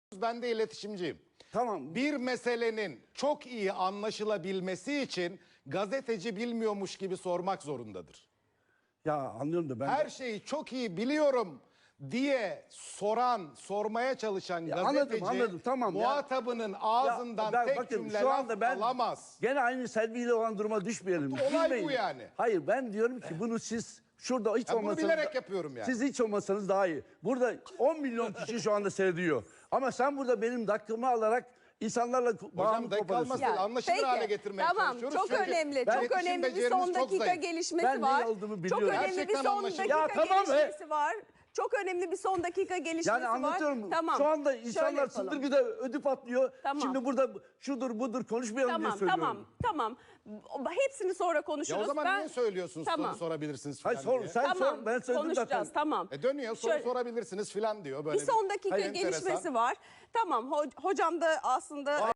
Ben de iletişimciyim. Tamam. Bir meselenin çok iyi anlaşılabilmesi için gazeteci bilmiyormuş gibi sormak zorundadır. Ya anlıyorum da ben... Her şeyi çok iyi biliyorum diye sormaya çalışan gazeteci anladım, tamam ya. muhatabının ağzından tek bakın, cümle şu anda laf alamaz. Gene aynı Selvi ile olan duruma düşmeyelim. Olay Bilmeyin. bu yani. Hayır, ben diyorum ki bunu siz şurada hiç Ya bunu olmasanız... bilerek yapıyorum yani. Siz hiç olmasanız daha iyi. Burada 10 milyon kişi şu anda seyrediyor. Ama sen burada benim dakikamı alarak insanlarla Hocam dakika alması değil, anlaşılır hale getirmeye çalışıyoruz. Çok Çünkü önemli. iletişim Çok önemli bir becerimiz son çok dakika zayıf. gelişmesi Ben var. ne olduğumu Çok biliyorum. önemli bir Gerçekten son anlaşılır. dakika Ya tamam be. gelişmesi var. Çok önemli bir son dakika gelişmesi Yani var. anlatıyorum. Tamam. Şu anda Şöyle insanlar yapalım. çıldırgıda ödü patlıyor. Tamam. Şimdi burada şudur budur konuşmayalım diye söylüyorum. Tamam. Hepsini sonra konuşuruz. Ya o zaman niye söylüyorsunuz soru sorabilirsiniz falan Hayır diye. sen sor, ben söyledim konuşacağız, zaten. Tamam. Dönüyor soru Şöyle- sorabilirsiniz falan diyor. Böyle Bir son dakika enteresan. gelişmesi var. Tamam. Hocam da aslında...